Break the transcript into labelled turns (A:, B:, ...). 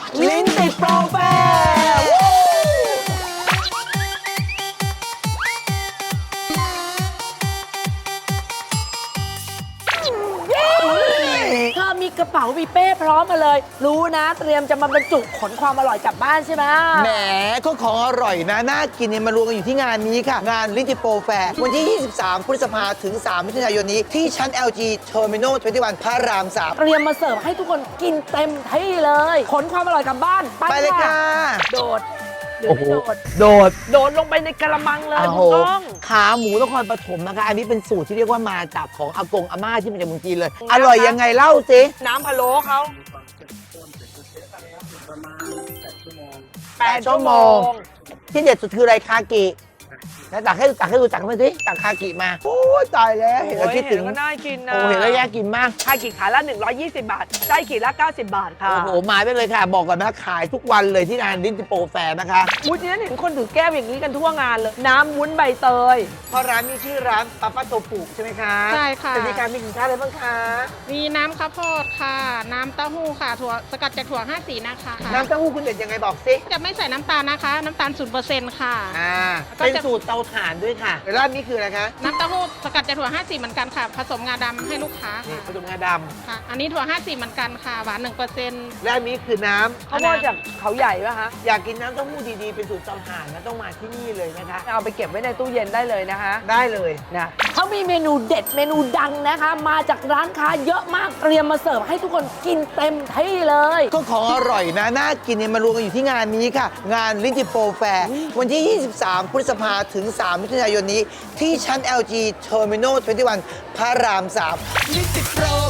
A: ลิ้นติดโปรแฟร์เธอมีกระเป๋ามีเป้พร้อมมาเลย รู้นะเตรียมจะมาบรรจุขนความอร่อยกลับบ้านใช่ไหม
B: แหมก็ของอร่อยนะน่ากินเนี่ยมารวมกันอยู่ที่งานนี้ค่ะ งานลิ้นติดโปรแฟร์วันที่ 23 พฤษภาถึง 3 มิถุนายนนี้ที่ชั้น LG Terminal 21 พระราม 3
A: เตรียมมาเสิร์ฟให้ทุกคนกินเต็มที่เลย ขนความอร่อยกลับบ้าน
B: ไปเลยค่ะ
A: โดดหรือไม่โดด
B: โดด
A: โดดลงไปในกระมังเลย
B: โอ้โห
A: คุณก้อง
B: ขาหมูนครปฐมนะคะ อันนี้เป็นสูตรที่เรียกว่ามาจากของอากงอาม่าที่มาจากเมืองจีนเลย อร่อยยังไงเล่าสิ
A: น้ำพะโล้เขา
B: 8 ชั่วโมง ที่เด็ดสุดคืออะไรคากิแล้วตักให้ดูตักมาสิตักคากิมา โอ้ยตายแล้วเห็นแล้วคิดถึง
A: ก็น่ากินนะ
B: โอ้เห็นแล้วอยากกินมาก
A: ไข่กี่ขาละ120 บาทไส้กี่ละ90 บาทค่ะ
B: โอ้โห มาไปเลยค่ะ บอกก่อนนะขายทุกวันเลยที่งานลิ้นติโปรแฟร์นะคะ
A: วุ้นนี้เห็นคนถือแก้วอย่างนี้กันทั่วงานเลย น้ำวุ้นใบเตย
B: เพราะร้านมีชื่อร้านปาป้าโตปุใช่ไหมคะ
C: ใช่ค่ะ
B: จะมีการมีสินค้าอะไรบ้างคะ
C: มีน้ำข้าวโพดค่ะ น้ำเต้าหู้ค่ะถั่วสกัดจากถั่ว5 สีนะคะ
B: น้ำเต้าหู้คุณเด็ดยังไงบอกสิ
C: จะไม่ใส่น้ำตาลนะคะ น้ำตาล0%ค่ะ ก็
B: เป็น
C: จะ
B: สูตรเตาถ่านด้วยค่ะร้านนี้คืออะไรคะ
C: น้ำเต้าหู้สกัดจากถั่ว5 สีเหมือนกันค่ะ ผสมงาดำให้ลูกค้า
B: นี่
C: ค่ะ
B: ผสมงาด
C: ค่ะ อันนี้ถั่ว5 สีเหมือนกันค่ะ หวาน 1%
B: ำร้านนี้คือน้ำ
A: เขามาจากเขาใหญ่ป่ะคะ
B: อยากกินน้ำเต้าหู้ดีๆ เป็นสูตรเตาถ่านนะต้องมาที่นี่เลยนะคะ
A: เอาไปเก็บไว้ในตู้เย็นได้เลยนะคะ
B: ได้เลย
A: นะเขามีเมนูเด็ดเมนูดังนะคะ มาจากร้านค้าเยอะมากเตรียมมาเสิร์ฟให้ทุกคนกินเต็มที่เลย
B: ก็ของอร่อยนะน่ากินเนี่ยมารวมกันอยู่ที่งานนี้ค่ะ งานลิ้นติโปรแฟร์วันที่ 23 พฤษภาถึง 3 มิถุนายนนี้ที่ชั้น LG Terminal 21 พระราม 3 ลิ้นติโปร